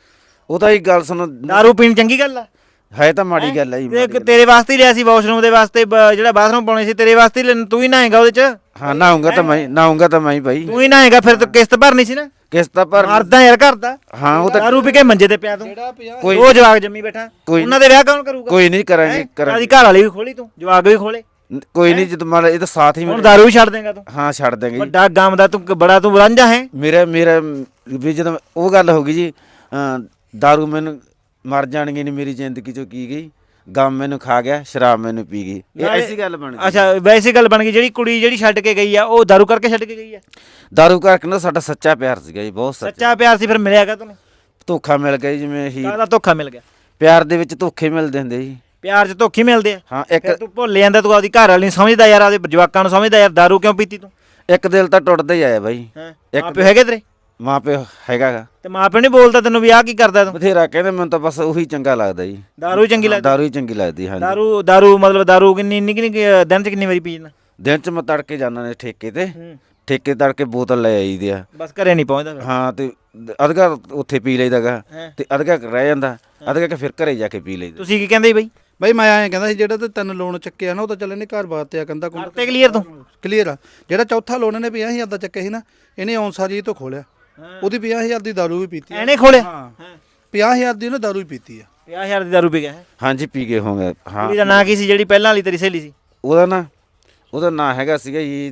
[SPEAKER 3] ਉਹ ਤਾਂ ਹੀ ਗੱਲ ਸੁਣ,
[SPEAKER 1] ਦਾਰੂ ਪੀਣ ਚੰਗੀ ਗੱਲ ਆ?
[SPEAKER 3] ਹੈ ਤਾਂ ਮਾੜੀ ਗੱਲ ਹੈ ਜੀ,
[SPEAKER 1] ਤੇ
[SPEAKER 3] ਮਾੜੀ ਗੱਲ।
[SPEAKER 1] ਤੇਰੇ ਵਾਸਤੇ ਹੀ ਲਿਆ ਸੀ ਵਾਸ਼ਰੂਮ ਦੇ ਵਾਸਤੇ, ਬ- ਜਿਹੜਾ ਬਾਥਰੂਮ ਪਾਉਣੇ ਸੀ ਤੇਰੇ ਵਾਸਤੇ ਹੀ ਲੈਣ, ਤੂੰ ਹੀ ਨਹਾਏਗਾ ਉਹਦੇ ਚ?
[SPEAKER 3] ਹਾਂ, ਨਹਾਉਂਗਾ ਤਾਂ ਮੈਂ ਨਹਾਉਂਗਾ ਤਾਂ ਮੈਂ ਹੀ ਭਾਈ,
[SPEAKER 1] ਤੂੰ ਹੀ ਨਹਾਏਗਾ, ਫਿਰ ਤੂੰ ਕਿਸ਼ਤ ਭਰਨੀ ਸੀ ਨਾ?
[SPEAKER 3] ਕਿਸ਼ਤ ਤਾਂ ਭਰ।
[SPEAKER 1] ਮਰਦਾ ਯਾਰ ਘਰ ਦਾ।
[SPEAKER 3] ਹਾਂ, ਉਹ ਤਾਂ
[SPEAKER 1] ਦਾਰੂ ਪੀ ਕੇ ਮੰਜੇ ਤੇ ਪਿਆ ਤੂੰ,
[SPEAKER 3] ਕੋਈ
[SPEAKER 1] ਉਹ ਜਵਾਕ ਜੰਮੀ ਬੈਠਾ,
[SPEAKER 3] ਕੋਈ-
[SPEAKER 1] ਉਹਨਾਂ ਦੇ ਵਿਆਹ ਕੌਣ ਕਰੂਗਾ?
[SPEAKER 3] ਕੋਈ ਨਹੀਂ ਕਰਾਂਗੇ ਕਰਾਂਗੇ
[SPEAKER 1] ਆਦੀ ਘਰ ਵਾਲੀ ਵੀ ਖੋਲੀ ਤੂੰ, ਜਵਾਕ ਵੀ ਖੋਲੇ,
[SPEAKER 3] ਕੋਈ ਨਹੀਂ, ਜਦੋਂ ਮਾੜਾ ਇਹ ਤਾਂ ਸਾਥ ਹੀ
[SPEAKER 1] ਹੁਣ
[SPEAKER 3] ਮਿਲ-
[SPEAKER 1] ਦਾਰੂ ਵੀ ਛੱਡ ਦੇਗਾ ਤੂੰ?
[SPEAKER 3] ਹਾਂ, ਛੱਡ ਦਾਂਗੇ ਜੀ।
[SPEAKER 1] ਵੱਡਾ ਗਮ ਦਾ ਤੂੰ, ਬੜਾ ਤੂੰ ਰਾਂਝਾ ਹੈ।
[SPEAKER 3] ਮੇਰਾ ਮੇਰਾ ਵੀ ਜਦੋਂ ਉਹ ਗੱਲ ਹੋ ਗਈ ਜੀ, ਅਹ ਦਾਰੂ ਮੈਨੂੰ ਮਰ ਜਾਣਗੇ ਨਹੀਂ ਮੇਰੀ ਜ਼ਿੰਦਗੀ ਚੋਂ ਕੀ ਗਈ, ਗਮ ਮੈਨੂੰ ਖਾ ਗਿਆ, ਸ਼ਰਾਬ ਮੈਨੂੰ ਪੀ ਗਈ, ਇਹ
[SPEAKER 1] ਨਾਲੇ-
[SPEAKER 3] ਐਸੀ ਗੱਲ ਬਣ ਗਈ।
[SPEAKER 1] ਅੱਛਾ, ਵੈਸੇ ਗੱਲ ਬਣ ਗਈ। ਜਿਹੜੀ ਕੁੜੀ ਜਿਹੜੀ ਛੱਡ ਕੇ ਗਈ ਆ, ਉਹ ਦਾਰੂ ਕਰਕੇ ਛੱਡ ਕੇ ਗਈ ਆ?
[SPEAKER 3] ਦਾਰੂ ਕਰਕੇ ਨਾ ਸਾਡਾ ਸੱਚਾ ਪਿਆਰ ਸੀਗਾ ਜੀ, ਬਹੁਤ ਸੱਚਾ।
[SPEAKER 1] ਸੱਚਾ ਪਿਆਰ ਸੀ, ਫਿਰ ਮਿਲਿਆਗਾ ਤੈਨੂੰ?
[SPEAKER 3] ਧੋਖਾ ਮਿਲ ਗਿਆ ਜੀ, ਜਿਵੇਂ ਹੀ
[SPEAKER 1] ਕਾਹਦਾ ਧੋਖਾ ਮਿਲ ਗਿਆ?
[SPEAKER 3] ਪਿਆਰ ਦੇ ਵਿੱਚ ਧੋਖੇ ਮਿਲਦੇ ਹੁੰਦੇ ਜੀ।
[SPEAKER 1] ਪਿਆਰ 'ਚ ਧੋਖੇ ਮਿਲਦੇ ਆ?
[SPEAKER 3] ਹਾਂ, ਇੱਕ
[SPEAKER 1] ਫਿਰ ਤੂੰ ਭੁੱਲ ਜਾਂਦਾ, ਤੂੰ ਆਪਦੀ ਘਰ ਵਾਲੀ ਨੂੰ ਸਮਝਦਾ ਯਾਰ, ਆਪਦੇ ਜਵਾਕਾਂ ਨੂੰ ਸਮਝਦਾ ਯਾਰ, ਦਾਰੂ ਕਿਉਂ ਪੀਤੀ ਤੂੰ?
[SPEAKER 3] ਇੱਕ ਦਿਲ ਤਾਂ ਟੁੱਟਦਾ ਹੀ ਆਇਆ ਬਾਈ।
[SPEAKER 1] ਇੱਕ ਮਾਂ ਪਿਓ ਹੈਗੇ ਤੇਰੇ?
[SPEAKER 3] ਮਾਂ ਪਿਓ ਹੈਗਾ ਗਾ,
[SPEAKER 1] ਤੇ ਮਾਂ ਪਿਓ ਨਹੀਂ ਬੋਲਦਾ ਤੈਨੂੰ ਵੀ ਆਹ ਕੀ ਕਰਦਾ ਤੂੰ?
[SPEAKER 3] ਬਥੇਰਾ ਕਹਿੰਦੇ, ਮੈਨੂੰ ਤਾਂ ਬਸ ਉਹੀ ਚੰਗਾ ਲੱਗਦਾ ਜੀ,
[SPEAKER 1] ਦਾਰੂ ਹੀ ਚੰਗੀ ਲੱਗਦੀ?
[SPEAKER 3] ਦਾਰੂ ਹੀ ਚੰਗੀ ਲੱਗਦੀ। ਹਾਂਜੀ,
[SPEAKER 1] ਦਾਰੂ ਦਾਰੂ ਮਤਲਬ ਦਾਰੂ ਕਿੰਨੀ ਇੰਨੀ ਕਿੰਨੀ ਕੁ ਦਿਨ 'ਚ ਕਿੰਨੀ ਵਾਰੀ ਪੀ ਜਾਂਦਾ?
[SPEAKER 3] ਦਿਨ ਚ ਮੈਂ ਤੜਕੇ ਜਾਂਦਾ ਨੇ ਠੇਕੇ ਤੇ, ਠੇਕੇ ਤੜਕੇ ਬੋਤਲ ਲੈ ਆਈਦੀ ਆ।
[SPEAKER 1] ਬਸ ਘਰੇ ਨਹੀਂ ਪਹੁੰਚਦਾ ਫਿਰ?
[SPEAKER 3] ਹਾਂ, ਤੇ ਅਧਗਾ ਉੱਥੇ ਪੀ ਲਈਦਾ ਗਾ,
[SPEAKER 1] ਹੈਂ।
[SPEAKER 3] ਤੇ ਅਧਗਾ ਰਹਿ ਜਾਂਦਾ, ਅਧਗਾ ਕੇ ਫਿਰ ਘਰੇ ਜਾ ਕੇ ਪੀ ਲਈਦਾ।
[SPEAKER 1] ਤੁਸੀਂ ਕੀ ਕਹਿੰਦੇ ਬਈ?
[SPEAKER 2] ਬਈ ਮੈਂ ਐਂ ਕਹਿੰਦਾ ਸੀ ਜਿਹੜਾ ਤੇ ਤਿੰਨ ਲੋਨ ਚੱਕਿਆ ਨਾ, ਉਹ ਤਾਂ ਚੱਲ ਇਹਨੇ ਘਰ ਬਾਤ ਆ, ਕੰਦਾ ਕੁੰਦਾ
[SPEAKER 1] ਕਰਤੇ ਕਲੀਅਰ ਤੂੰ?
[SPEAKER 2] ਕਲੀਅਰ ਆ। ਜਿਹੜਾ ਚੌਥਾ ਲੋਨ ਇਹਨੇ ਪੰਜਾਹ ਹਜ਼ਾਰ ਦਾ ਚੱਕਿਆ ਸੀ ਨਾ, ਇਹਨੇ ਔਨਸਾਰੀ ਤੋਂ ਖੋਲਿਆ, ਉਹਦੀ ਪੰਜਾਹ ਹਜ਼ਾਰ ਦੀ ਦਾਰੂ ਵੀ ਪੀਤੀ ਆ।
[SPEAKER 1] ਐਨੇ ਖੋਲਿਆ?
[SPEAKER 2] ਹਾਂ, ਪੰਜਾਹ ਹਜ਼ਾਰ ਦੀ ਉਹਨੇ ਦਾਰੂ ਵੀ ਪੀਤੀ ਆ।
[SPEAKER 1] ਪੰਜਾਹ ਹਜ਼ਾਰ ਦੀ ਦਾਰੂ ਪੀ ਗਿਆ ਹੈ?
[SPEAKER 3] ਹਾਂਜੀ, ਪੀ ਗਏ ਹੋਗੇ। ਹਾਂ,
[SPEAKER 1] ਕੁੜੀ ਦਾ ਨਾਂ ਕੀ ਸੀ ਜਿਹੜੀ ਪਹਿਲਾਂ ਵਾਲੀ ਤੇਰੀ ਸਹੇਲੀ ਸੀ?
[SPEAKER 3] ਉਹਦਾ ਨਾ ਉਹਦਾ ਨਾਂ ਹੈਗਾ ਸੀਗਾ ਜੀ,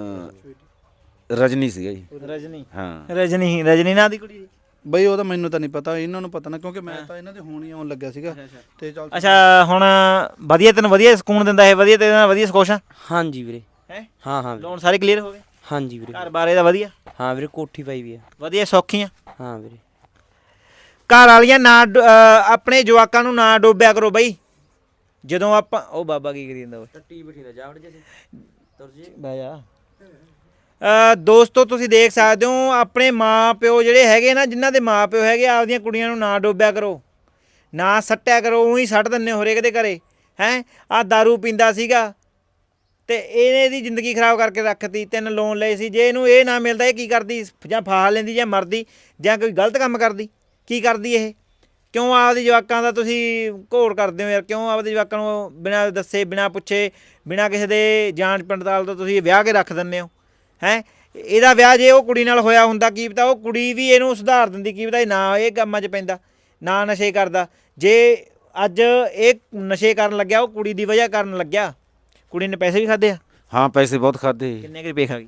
[SPEAKER 3] ਅਹ, ਰਜਨੀ ਸੀਗਾ ਜੀ।
[SPEAKER 1] ਰਜਨੀ?
[SPEAKER 3] ਹਾਂ,
[SPEAKER 1] ਰਜਨੀ ਰਜਨੀ ਨਾਂ ਦੀ ਕੁੜੀ ਸੀ?
[SPEAKER 2] ਬਈ ਉਹਦਾ ਮੈਨੂੰ ਤਾਂ ਨਹੀਂ ਪਤਾ, ਇਹਨਾਂ ਨੂੰ ਪਤਾ ਨਾ, ਕਿਉਂਕਿ ਮੈਂ ਤਾਂ ਇਹਨਾਂ ਦੇ ਹੋਣ ਹੀ ਆਉਣ ਲੱਗਿਆ ਸੀਗਾ, ਤੇ ਚੱਲ
[SPEAKER 1] ਅੱਛਾ, ਹੁਣ ਵਧੀਆ ਤੈਨੂੰ ਵਧੀਆ ਸਕੂਨ ਦਿੰਦਾ ਇਹ? ਵਧੀਆ ਤੇਰੇ ਨਾਲ ਵਧੀਆ ਸਕੋਸ਼ ਆ?
[SPEAKER 4] ਹਾਂਜੀ ਵੀਰੇ।
[SPEAKER 1] ਹੈ?
[SPEAKER 4] ਹਾਂ ਹਾਂ ਵੀਰੇ।
[SPEAKER 1] ਲੋਨ ਸਾਰੇ ਕਲੀਅਰ ਹੋ ਗਏ?
[SPEAKER 4] ਹਾਂਜੀ ਵੀਰੇ।
[SPEAKER 1] ਘਰ ਬਾਰੇ ਦਾ ਵਧੀਆ?
[SPEAKER 4] ਹਾਂ ਵੀਰੇ, ਕੋਠੀ ਪਾਈ ਵੀ ਆ।
[SPEAKER 1] ਵਧੀਆ ਸੌਖੀਆਂ?
[SPEAKER 4] ਹਾਂ ਵੀਰੇ।
[SPEAKER 1] ਘਰ ਵਾਲੀਆਂ ਨਾ ਡੁ- ਅਹ ਆਪਣੇ ਜਵਾਕਾਂ ਨੂੰ ਨਾ ਡੋਬਿਆ ਕਰੋ ਬਈ। ਜਦੋਂ ਆਪਾਂ ਉਹ ਬਾਬਾ ਕੀ ਕਰੀ ਜਾਂਦਾ ਉਹ
[SPEAKER 4] ਟੱਟੀ ਬੈਠੀ ਦਾ ਜਾਵੜ ਜੇ ਤੁਰ ਜੇ
[SPEAKER 1] ਬਹਿ ਜਾ। ਅ ਦੋਸਤੋ, ਤੁਸੀਂ ਦੇਖ ਸਕਦੇ ਹੋ ਆਪਣੇ ਮਾਂ ਪਿਓ ਜਿਹੜੇ ਹੈਗੇ ਨਾ, ਜਿਨ੍ਹਾਂ ਦੇ ਮਾਂ ਪਿਓ ਹੈਗੇ, ਆਪਦੀਆਂ ਕੁੜੀਆਂ ਨੂੰ ਨਾ ਡੋਬਿਆ ਕਰੋ, ਨਾ ਸੱਟਿਆ ਕਰੋ। ਉਹੀ ਸੱਟ ਦਿੰਦੇ ਹੋ ਹਰੇਕ ਦੇ ਘਰੇ ਹੈ। ਆਹ ਦਾਰੂ ਪੀਂਦਾ ਸੀਗਾ ਤੇ ਇਹਨੇ ਇਹਦੀ ਜ਼ਿੰਦਗੀ ਖਰਾਬ ਕਰਕੇ ਰੱਖਤੀ। ਤਿੰਨ ਲੋਨ ਲਏ ਸੀ, ਜੇ ਇਹਨੂੰ ਇਹ ਨਾ ਮਿਲਦਾ ਇਹ ਕੀ ਕਰਦੀ? ਜਾਂ ਫਾਹਾ ਲੈਂਦੀ, ਜਾਂ ਮਰਦੀ, ਜਾਂ ਕੋਈ ਗਲਤ ਕੰਮ ਕਰਦੀ। ਕੀ ਕਰਦੀ ਇਹ? ਕਿਉਂ ਆਪਦੇ ਜਵਾਕਾਂ ਦਾ ਤੁਸੀਂ ਘੋਰ ਕਰਦੇ ਹੋ ਯਾਰ? ਕਿਉਂ ਆਪਦੇ ਜਵਾਕਾਂ ਨੂੰ ਬਿਨਾਂ ਦੱਸੇ ਬਿਨਾਂ ਪੁੱਛੇ ਬਿਨਾਂ ਕਿਸੇ ਦੇ ਜਾਂਚ ਪੜਤਾਲ ਤੋਂ ਤੁਸੀਂ ਵਿਆਹ ਕੇ ਰੱਖ ਦਿੰਦੇ ਹੋ ਹੈ? ਇਹਦਾ ਵਿਆਹ ਜੇ ਉਹ ਕੁੜੀ ਨਾਲ ਹੋਇਆ ਹੁੰਦਾ ਕੀ ਪਤਾ ਉਹ ਕੁੜੀ ਵੀ ਇਹਨੂੰ ਸੁਧਾਰ ਦਿੰਦੀ, ਕੀ ਪਤਾ ਇਹ ਨਾ ਇਹ ਕੰਮਾਂ 'ਚ ਪੈਂਦਾ, ਨਾ ਨਸ਼ੇ ਕਰਦਾ। ਜੇ ਅੱਜ ਇਹ ਨਸ਼ੇ ਕਰਨ ਲੱਗਿਆ ਉਹ ਕੁੜੀ ਦੀ ਵਜ੍ਹਾ ਕਰਨ ਲੱਗਿਆ। ਕੁੜੀ ਨੇ ਪੈਸੇ ਵੀ ਖਾਦੇ ਆ।
[SPEAKER 3] ਹਾਂ ਪੈਸੇ ਬਹੁਤ ਖਾਦੇ,
[SPEAKER 1] ਕਿੰਨੇ ਕੁ ਰੁਪਏ ਖਾ ਗਈ?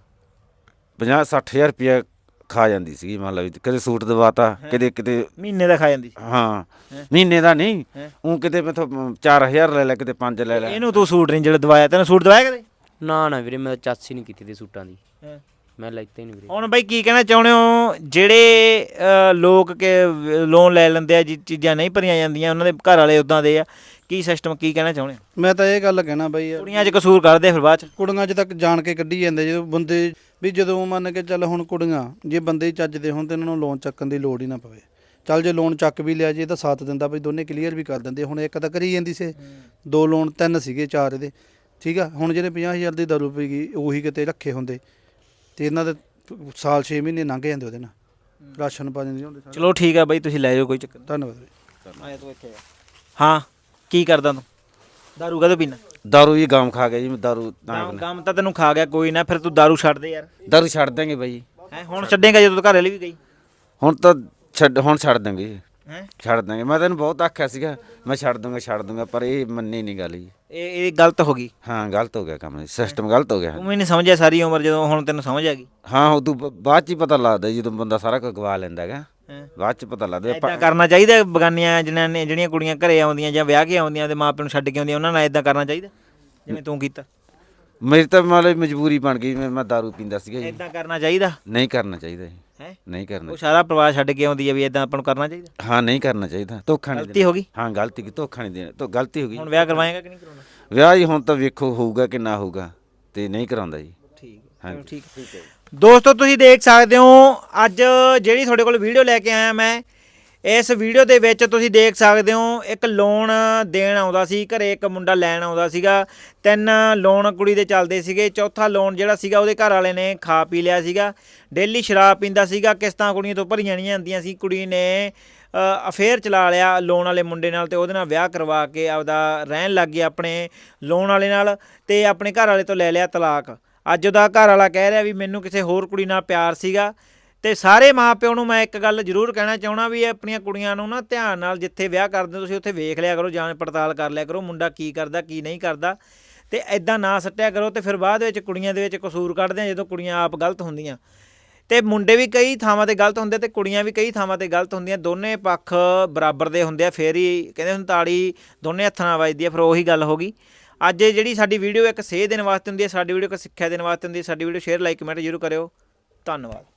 [SPEAKER 3] ਪੰਜਾਹ ਸੱਠ ਹਜ਼ਾਰ ਰੁਪਇਆ ਖਾ ਜਾਂਦੀ ਸੀਗੀ। ਮੰਨ ਲਾ ਵੀ ਕਦੇ ਸੂਟ ਦਵਾਤਾ, ਕਦੇ ਕਿਤੇ
[SPEAKER 1] ਮਹੀਨੇ ਦਾ ਖਾ ਜਾਂਦੀ?
[SPEAKER 3] ਹਾਂ ਮਹੀਨੇ ਦਾ ਨਹੀਂ, ਉਹ ਕਿਤੇ ਮੈਥੋਂ ਚਾਰ ਹਜ਼ਾਰ ਲੈ ਲੈ, ਕਿਤੇ ਪੰਜ ਲੈ ਲੈ।
[SPEAKER 1] ਇਹਨੂੰ ਤੂੰ ਸੂਟ ਨਹੀਂ ਜਿਹੜਾ ਦਵਾਇਆ, ਤੈਨੂੰ ਸੂਟ ਦਵਾਇਆ ਕਦੇ?
[SPEAKER 4] ਨਾ ਨਾ ਵੀਰੇ ਮੈਂ ਤਾਂ ਚਾਚੀ ਨਹੀਂ ਕੀਤੀ ਤੇ ਸੂਟਾਂ ਦੀ, ਮੈਂ ਲੈਤੇ ਨਹੀਂ ਵੀਰੇ।
[SPEAKER 1] ਹੁਣ ਬਾਈ ਕੀ ਕਹਿਣਾ ਚਾਹੁੰਦੇ ਹੋ ਜਿਹੜੇ ਅ, ਲੋਕ ਕਿ ਲੋਨ ਲੈ ਲੈਂਦੇ ਆ, ਜੀ ਚੀਜ਼ਾਂ ਨਹੀਂ ਭਰੀਆਂ ਜਾਂਦੀਆਂ, ਉਹਨਾਂ ਦੇ ਘਰ ਵਾਲੇ ਉਦਾਂ ਦੇ ਆ, ਕੀ ਸਿਸਟਮ ਕੀ ਕਹਿਣਾ ਚਾਹੁੰਦੇ ਹੋ?
[SPEAKER 2] ਮੈਂ ਤਾਂ ਇਹ ਗੱਲ ਕਹਿਣਾ ਬਈ ਯਾਰ,
[SPEAKER 1] ਕੁੜੀਆਂ 'ਚ ਕਸੂਰ ਕਰਦੇ ਫਿਰ ਬਾਅਦ 'ਚ।
[SPEAKER 2] ਕੁੜੀਆਂ 'ਚ ਤੱਕ ਜਾਣ ਕੇ ਕੱਢੀ ਜਾਂਦੇ ਜਦੋਂ ਬੰਦੇ ਵੀ, ਜਦੋਂ ਮੰਨ ਕੇ ਚੱਲ ਹੁਣ ਕੁੜੀਆਂ ਜੇ ਬੰਦੇ ਹੀ ਚੱਜਦੇ ਹੋਣ ਤੇ ਇਹਨਾਂ ਨੂੰ ਲੋਨ ਚੱਕਣ ਦੀ ਲੋੜ ਹੀ ਨਾ ਪਵੇ। ਚੱਲ ਜੇ ਲੋਨ ਚੱਕ ਵੀ ਲਿਆ ਜੇ ਇਹਦਾ ਸਾਥ ਦਿੰਦਾ ਬਈ ਦੋਨੇ ਕਲੀਅਰ ਵੀ ਕਰ ਦਿੰਦੇ। ਹੁਣ ਇੱਕ ਤਾਂ ਕਰੀ ਜਾਂਦੀ ਸੀ, ਦੋ ਲੋਨ ਤਿੰਨ ਸੀਗੇ ਚਾਰ ਇਹਦੇ, ਠੀਕ ਆ। ਹੁਣ ਜਿਹੜੇ ਪੰਜਾਹ ਹਜ਼ਾਰ ਦੀ ਦਾਰੂ ਪੀ ਗਈ ਉਹੀ ਕਿਤੇ ਰੱਖੇ ਹੁੰਦੇ ਤੇ ਇਹਨਾਂ ਦੇ ਸਾਲ ਛੇ ਮਹੀਨੇ ਲੰਘ ਜਾਂਦੇ ਉਹਦੇ ਨਾਲ, ਰਾਸ਼ਨ ਪਾ ਜਾਂਦੇ ਹੁੰਦੇ ਸਾਰੇ।
[SPEAKER 1] ਚਲੋ ਠੀਕ ਆ ਬਾਈ, ਤੁਸੀਂ ਲੈ ਜਾਓ, ਕੋਈ ਚੱਕਰ
[SPEAKER 2] ਧੰਨਵਾਦ ਬਈ।
[SPEAKER 1] ਨਹੀਂ। ਆਇਆ ਤੂੰ ਇੱਥੇ ਆ। ਹਾਂ ਕੀ ਕਰਦਾ ਤੂੰ? ਦਾਰੂ ਕਦੋਂ ਪੀਣਾ?
[SPEAKER 3] ਦਾਰੂ ਹੀ ਗਾਮ ਖਾ ਗਿਆ ਜੀ ਮੈਂ, ਦਾਰੂ
[SPEAKER 1] ਕੰਮ ਕੰਮ ਤਾਂ ਤੈਨੂੰ ਖਾ ਗਿਆ, ਕੋਈ ਨਾ ਫਿਰ ਤੂੰ ਦਾਰੂ ਛੱਡ ਦੇ ਯਾਰ।
[SPEAKER 3] ਦਾਰੂ ਛੱਡ ਦਾਂਗੇ ਬਾਈ।
[SPEAKER 1] ਹੈ ਹੁਣ ਛੱਡੇਗਾ ਜਦੋਂ ਘਰ ਵਾਲੀ ਵੀ ਗਈ?
[SPEAKER 3] ਹੁਣ ਤਾਂ ਛੱਡ ਹੁਣ ਛੱਡ ਦਾਂਗੇ,
[SPEAKER 1] ਹੈ
[SPEAKER 3] ਛੱਡ ਦਾਂਗੇ। ਮੈਂ ਤੈਨੂੰ ਬਹੁਤ ਆਖਿਆ ਸੀਗਾ ਮੈਂ ਛੱਡ ਦੂੰਗਾ ਛੱਡ ਦੂੰਗਾ, ਪਰ ਇਹ ਮੰਨੀ ਨਹੀਂ ਗੱਲ ਜੀ।
[SPEAKER 1] ਇਹ ਇਹ ਗਲਤ ਹੋ ਗਈ।
[SPEAKER 3] ਹਾਂ ਗਲਤ ਹੋ ਗਿਆ ਕੰਮ, ਸਿਸਟਮ ਗਲਤ ਹੋ ਗਿਆ।
[SPEAKER 1] ਤੂੰ ਵੀ ਨਹੀਂ ਸਮਝਿਆ ਸਾਰੀ ਉਮਰ, ਜਦੋਂ ਹੁਣ ਤੈਨੂੰ ਸਮਝ ਆ ਗਈ।
[SPEAKER 3] ਹਾਂ ਉਦੋਂ ਬ- ਬਾਅਦ ਚ ਹੀ ਪਤਾ ਲੱਗਦਾ ਜਦੋਂ ਬੰਦਾ ਸਾਰਾ ਕੁਝ ਗਵਾ ਲੈਂਦਾ ਹੈਗਾ,
[SPEAKER 1] ਹੈਂ।
[SPEAKER 3] ਬਾਅਦ ਚ ਪਤਾ ਲੱਗਦਾ।
[SPEAKER 1] ਇਦਾਂ ਕਰਨਾ ਚਾਹੀਦਾ ਬਗਾਨੀਆਂ ਜਿਹਨਾਂ ਨੇ ਜਿਹੜੀਆਂ ਕੁੜੀਆਂ ਘਰੇ ਆਉਂਦੀਆਂ ਜਾਂ ਵਿਆਹ ਕੇ ਆਉਂਦੀਆਂ ਤੇ ਮਾਪਿਆਂ ਨੂੰ ਛੱਡ ਕੇ ਆਉਂਦੀਆਂ, ਉਹਨਾਂ ਨਾਲ ਇਦਾਂ ਕਰਨਾ ਚਾਹੀਦਾ ਜਿਵੇਂ ਤੂੰ ਕੀਤਾ?
[SPEAKER 3] ਮੇਰੀ ਤਾਂ ਮਤਲਬ ਮਜਬੂਰੀ ਬਣ ਗਈ, ਮੈਂ ਮੈਂ ਦਾਰੂ ਪੀਂਦਾ ਸੀਗਾ ਜੀ।
[SPEAKER 1] ਇਦਾਂ ਕਰਨਾ ਚਾਹੀਦਾ
[SPEAKER 3] ਨਹੀਂ ਕਰਨਾ ਚਾਹੀਦਾ ਜੀ,
[SPEAKER 1] ਹੈ?
[SPEAKER 3] ਨਹੀਂ ਕਰਨਾ।
[SPEAKER 1] ਉਹ ਸਾਰਾ ਪਰਿਵਾਰ ਛੱਡ ਕੇ ਆਉਂਦੀ ਹੈ ਵੀ ਇਦਾਂ ਆਪਾਂ ਨੂੰ ਕਰਨਾ ਚਾਹੀਦਾ?
[SPEAKER 3] ਹਾਂ ਨਹੀਂ ਕਰਨਾ ਚਾਹੀਦਾ, ਧੋਖਾ ਨਹੀਂ
[SPEAKER 1] ਗਲਤੀ ਹੋ ਗਈ।
[SPEAKER 3] ਹਾਂ ਗਲਤੀ ਕੀ, ਧੋਖਾ ਨਹੀਂ ਦੇਣਾ, ਤਾਂ ਗਲਤੀ ਹੋ ਗਈ।
[SPEAKER 1] ਹੁਣ ਵਿਆਹ ਕਰਵਾਏਗਾ ਕਿ ਨਹੀਂ ਕਰਾਉਣਾ?
[SPEAKER 3] ਵਿਆਹ ਜੀ ਹੁਣ ਤਾਂ ਵੇਖੋ ਹੋਊਗਾ ਕਿ ਨਾ ਹੋਊਗਾ, ਤੇ ਨਹੀਂ ਕਰਾਉਂਦਾ ਜੀ।
[SPEAKER 1] ਠੀਕ ਹੈ,
[SPEAKER 3] ਹਾਂਜੀ
[SPEAKER 1] ਠੀਕ ਹੈ। ਦੋਸਤੋ ਤੁਸੀਂ ਦੇਖ ਸਕਦੇ ਹੋ ਅੱਜ ਜਿਹੜੀ ਤੁਹਾਡੇ ਕੋਲ ਵੀਡੀਓ ਲੈ ਕੇ ਆਇਆ ਮੈਂ, ਇਸ ਵੀਡੀਓ ਦੇ ਵਿੱਚ ਤੁਸੀਂ ਦੇਖ ਸਕਦੇ ਹੋ ਇੱਕ ਲੋਨ ਦੇਣ ਆਉਂਦਾ ਸੀ ਘਰੇ, ਇੱਕ ਮੁੰਡਾ ਲੈਣ ਆਉਂਦਾ ਸੀਗਾ। ਤਿੰਨ ਲੋਨ ਕੁੜੀ ਦੇ ਚੱਲਦੇ ਸੀਗੇ, ਚੌਥਾ ਲੋਨ ਜਿਹੜਾ ਸੀਗਾ ਉਹਦੇ ਘਰ ਵਾਲੇ ਨੇ ਖਾ ਪੀ ਲਿਆ ਸੀਗਾ। ਡੇਲੀ ਸ਼ਰਾਬ ਪੀਂਦਾ ਸੀਗਾ, ਕਿਸ਼ਤਾਂ ਕੁੜੀਆਂ ਤੋਂ ਭਰੀਆਂ ਨਹੀਂ ਜਾਂਦੀਆਂ ਸੀ। ਕੁੜੀ ਨੇ ਅਫੇਅਰ ਚਲਾ ਲਿਆ ਲੋਨ ਵਾਲੇ ਮੁੰਡੇ ਨਾਲ ਤੇ ਉਹਦੇ ਨਾਲ ਵਿਆਹ ਕਰਵਾ ਕੇ ਆਪਦਾ ਰਹਿਣ ਲੱਗ ਗਈ ਆਪਣੇ ਲੋਨ ਵਾਲੇ ਨਾਲ, ਤੇ ਆਪਣੇ ਘਰ ਵਾਲੇ ਤੋਂ ਲੈ ਲਿਆ ਤਲਾਕ। ਅੱਜ ਉਹਦਾ ਘਰ ਵਾਲਾ ਕਹਿ ਰਿਹਾ ਵੀ ਮੈਨੂੰ ਕਿਸੇ ਹੋਰ ਕੁੜੀ ਨਾਲ ਪਿਆਰ ਸੀਗਾ। ਤੇ ਸਾਰੇ ਮਾਂ ਪਿਓ ਨੂੰ ਮੈਂ ਇੱਕ ਗੱਲ ਜ਼ਰੂਰ ਕਹਿਣਾ ਚਾਹੁੰਦਾ ਵੀ ਇਹ ਆਪਣੀਆਂ ਕੁੜੀਆਂ ਨੂੰ ਨਾ ਧਿਆਨ ਨਾਲ ਜਿੱਥੇ ਵਿਆਹ ਕਰਦੇ ਹੋ ਤੁਸੀਂ ਉੱਥੇ ਵੇਖ ਲਿਆ ਕਰੋ, ਜਾਂਚ ਪੜਤਾਲ ਕਰ ਲਿਆ ਕਰੋ ਮੁੰਡਾ ਕੀ ਕਰਦਾ ਕੀ ਨਹੀਂ ਕਰਦਾ, ਤੇ ਐਦਾਂ ਨਾ ਸੱਟਿਆ ਕਰੋ। ਤੇ ਫਿਰ ਬਾਅਦ ਵਿੱਚ ਕੁੜੀਆਂ ਦੇ ਵਿੱਚ ਕਸੂਰ ਕੱਢਦੇ ਆ ਜਦੋਂ ਕੁੜੀਆਂ ਆਪ ਗਲਤ ਹੁੰਦੀਆਂ। ਤੇ ਮੁੰਡੇ ਵੀ ਕਈ ਥਾਵਾਂ ਤੇ ਗਲਤ ਹੁੰਦੇ ਤੇ ਕੁੜੀਆਂ ਵੀ ਕਈ ਥਾਵਾਂ ਤੇ ਗਲਤ ਹੁੰਦੀਆਂ। ਦੋਨੇ ਪੱਖ ਬਰਾਬਰ ਦੇ ਹੁੰਦੇ ਆ, ਫੇਰ ਹੀ ਕਹਿੰਦੇ ਹੁਣ ਤਾੜੀ ਦੋਨੇ ਹੱਥਾਂ ਨਾਲ ਵੱਜਦੀ ਆ। ਫਿਰ ਉਹੀ ਗੱਲ ਹੋ ਗਈ। ਅੱਜ ਜਿਹੜੀ ਸਾਡੀ ਵੀਡੀਓ ਇੱਕ ਸੇਧ ਦੇਣ ਵਾਸਤੇ ਹੁੰਦੀ ਹੈ, ਸਾਡੀ ਵੀਡੀਓ ਇੱਕ ਸਿੱਖਿਆ ਦੇਣ ਵਾਸਤੇ ਹੁੰਦੀ ਹੈ। ਸਾਡੀ ਵੀਡੀਓ ਸ਼ੇਅਰ ਲਾਈਕ ਕਮੈਂਟ ਜ਼ਰੂਰ ਕਰਿਓ। ਧੰਨਵਾਦ।